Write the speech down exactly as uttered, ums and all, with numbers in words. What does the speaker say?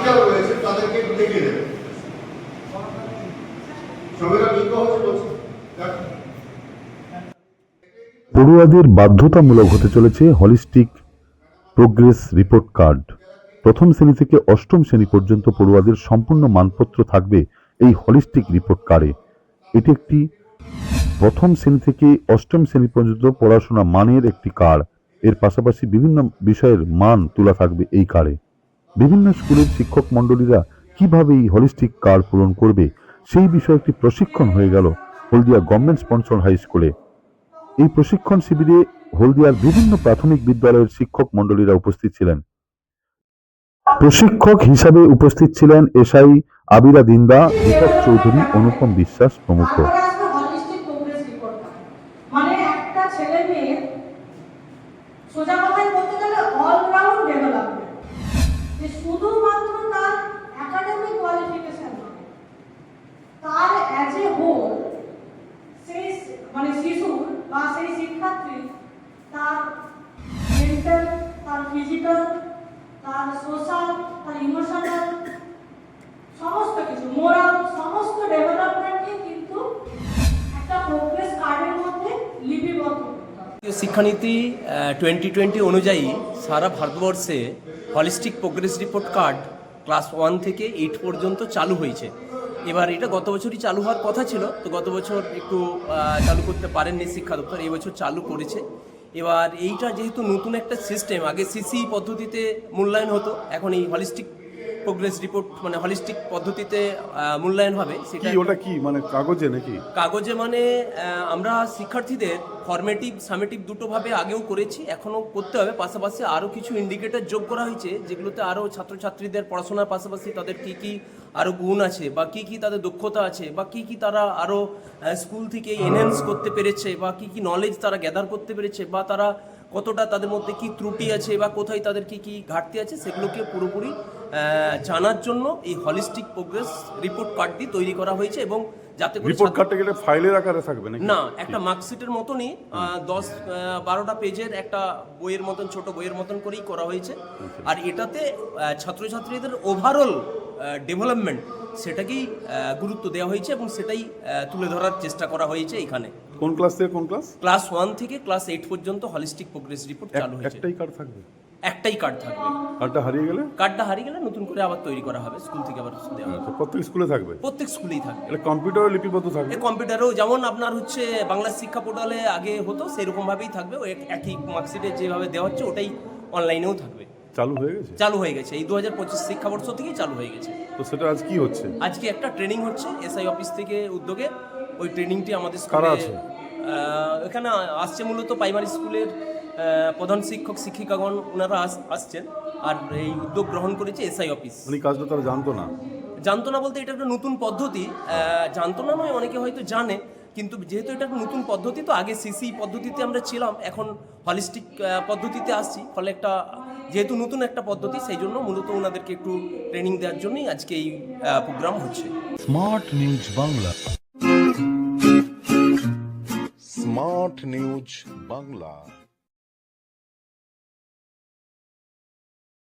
যারা রয়েছে তাদেরকে একটু দেখিয়ে দেবেন। সবাইরা লিঙ্গ হচ্ছে বলছে পড়ুয়াদের বাধ্যতামূলক হতে চলেছে হলিস্টিক প্রোগ্রেস রিপোর্ট কার্ড। প্রথম শ্রেণী থেকে অষ্টম শ্রেণী পর্যন্ত পড়ুয়াদের সম্পূর্ণ মানপত্র থাকবে এই হলিস্টিক রিপোর্ট কার্ডে। এটি একটি প্রথম শ্রেণী থেকে অষ্টম শ্রেণী পর্যন্ত পড়াশোনা মানের একটি কার্ড। এর পাশাপাশি বিভিন্ন বিষয়ের মান তোলা থাকবে এই কার্ডে। বিভিন্ন স্কুলের শিক্ষক মণ্ডলীরা কিভাবে এই হলিস্টিক কার্ড পূরণ করবে সেই বিষয়ে একটি প্রশিক্ষণ হয়ে গেল হলদিয়া গভর্নমেন্ট স্পন্সর হাই স্কুলে। এই প্রশিক্ষণ শিবিরে হলদিয়ার বিভিন্ন প্রাথমিক বিদ্যালয়ের শিক্ষক মণ্ডলীরা উপস্থিত ছিলেন। প্রশিক্ষক হিসাবে উপস্থিত ছিলেন এসআই আবিরা দিন্দা, দীপক চৌধুরী, অনুপম বিশ্বাস প্রমুখ। মানে একটা ছেলে মেয়ে সোজা কথায় বলতে গেলে অলরাউন্ড ডেভেলপমেন্ট, যে শুধুমাত্র তার একাডেমিক কোয়ালিফিকেশন নয়, তার অ্যাজ এ হোল সেই মানে শিশু বা সেই শিক্ষার্থী তার মেন্টাল, তার ফিজিক্যাল, তার সোশ্যাল, তার ইমোশনাল, সমস্ত কিছু মোরাল, সমস্ত ডেভেলপমেন্টকে কিন্তু একটা প্রোগ্রেস কার্ডের মধ্যে লিপিবদ্ধ করতে হবে। শিক্ষানীতি টোয়েন্টি টোয়েন্টি অনুযায়ী সারা ভারতবর্ষে holistic progress report card class one থেকে এইট পর্যন্ত চালু হয়েছে। এবার এটা গত বছরই চালু হওয়ার কথা ছিল, তো গত বছর একটু চালু করতে পারেননি শিক্ষা দপ্তর, এই বছর চালু করেছে। এবার এইটা যেহেতু নতুন একটা সিস্টেম, আগে সিসি পদ্ধতিতে মূল্যায়ন হতো, এখন এই হলিস্টিক প্রোগ্রেস রিপোর্ট মানে হলিস্টিক পদ্ধতিতে মূল্যায়ন হবে। সেটা ওটা কি মানে কাগজে নাকি? কাগজে মানে আমরা শিক্ষার্থীদের ফর্মেটিভ সামেটিভ দুটোভাবে আগেও করেছি, এখনও করতে হবে। পাশাপাশি আরও কিছু ইন্ডিকেটর যোগ করা হয়েছে, যেগুলোতে আরও ছাত্রছাত্রীদের পড়াশোনার পাশাপাশি তাদের কী কী আরও গুণ আছে বা কী কী তাদের দক্ষতা আছে বা কী কী তারা আরও স্কুল থেকে এনহ্যান্স করতে পেরেছে বা কী কী নলেজ তারা গ্যাদার করতে পেরেছে বা তারা কতটা তাদের মধ্যে কি ত্রুটি আছে বা কোথায় তাদের কি কি ঘাটতি আছে সেগুলোকে পুরোপুরি জানার জন্য এই হলিস্টিক প্রোগ্রেস রিপোর্ট কার্ডটি তৈরি করা হয়েছে। এবং যাতে করে রিপোর্ট কার্ডটা গেলে ফাইলের আকারে থাকবে নাকি? না, একটা মার্কশিটের মতনই দশ বারোটা পেজের একটা বইয়ের মতন, ছোট বইয়ের মতন করেই করা হয়েছে। আর এটাতে ছাত্রছাত্রীদের ওভারঅল ডেভেলপমেন্ট সেটাকেই গুরুত্ব দেওয়া হয়েছে এবং সেটাই তুলে ধরার চেষ্টা করা হয়েছে এখানে। কোন ক্লাস থেকে কোন ক্লাস? ক্লাস ওয়ান থেকে ক্লাস এইট পর্যন্ত হলিস্টিক প্রোগ্রেস রিপোর্ট চালু হয়েছে। একটাই কার্ড থাকবে? একটাই কার্ড থাকবে। কার্ডটা হারিয়ে গেলে? কার্ডটা হারিয়ে গেলে নতুন করে আবার তৈরি করা হবে, স্কুল থেকে আবার দেওয়া হবে। প্রত্যেক স্কুলে থাকবে? প্রত্যেক স্কুলেই থাকবে। এটা কম্পিউটারে লিপিবদ্ধ থাকবে? এই কম্পিউটারেও যেমন আপনার হচ্ছে বাংলা শিক্ষা পোর্টালে আগে হতো সেরকম ভাবেই থাকবে, ওই একই মার্কশিটে যেভাবে দেওয়া হচ্ছে ওটাই অনলাইনেও থাকবে। চালু হয়ে গেছে? চালু হয়ে গেছে, এই দু হাজার পঁচিশ শিক্ষাবর্ষ থেকেই চালু হয়ে গেছে। তো সেটা আজ কি হচ্ছে? আজকে একটা ট্রেনিং হচ্ছে এসআই অফিস থেকে উদ্যোগে। ওই ট্রেনিংটি আমাদের কারা স্কুলে আছে? এখানে আসছে মূলত প্রাইমারি স্কুলের প্রধান শিক্ষক শিক্ষিকাগণ, ওনারা আসছেন। আর এই উদ্যোগ গ্রহণ করেছে এসআই অফিস। উনি কাজটা তারা জানতো না? জানতো না বলতে এটা একটা নতুন পদ্ধতি, জানতো না নয়, অনেকে হয়তো জানে, কিন্তু যেহেতু এটা একটা নতুন পদ্ধতি, তো আগে সিসি পদ্ধতিতে আমরা ছিলাম, এখন হলিস্টিক পদ্ধতিতে আসছি। ফলে একটা যেহেতু নতুন একটা পদ্ধতি, সেই জন্য মূলত ওনাদেরকে একটু ট্রেনিং দেওয়ার জন্যই আজকে এই প্রোগ্রাম হচ্ছে। Smart news Bangla. Smart news Bangla.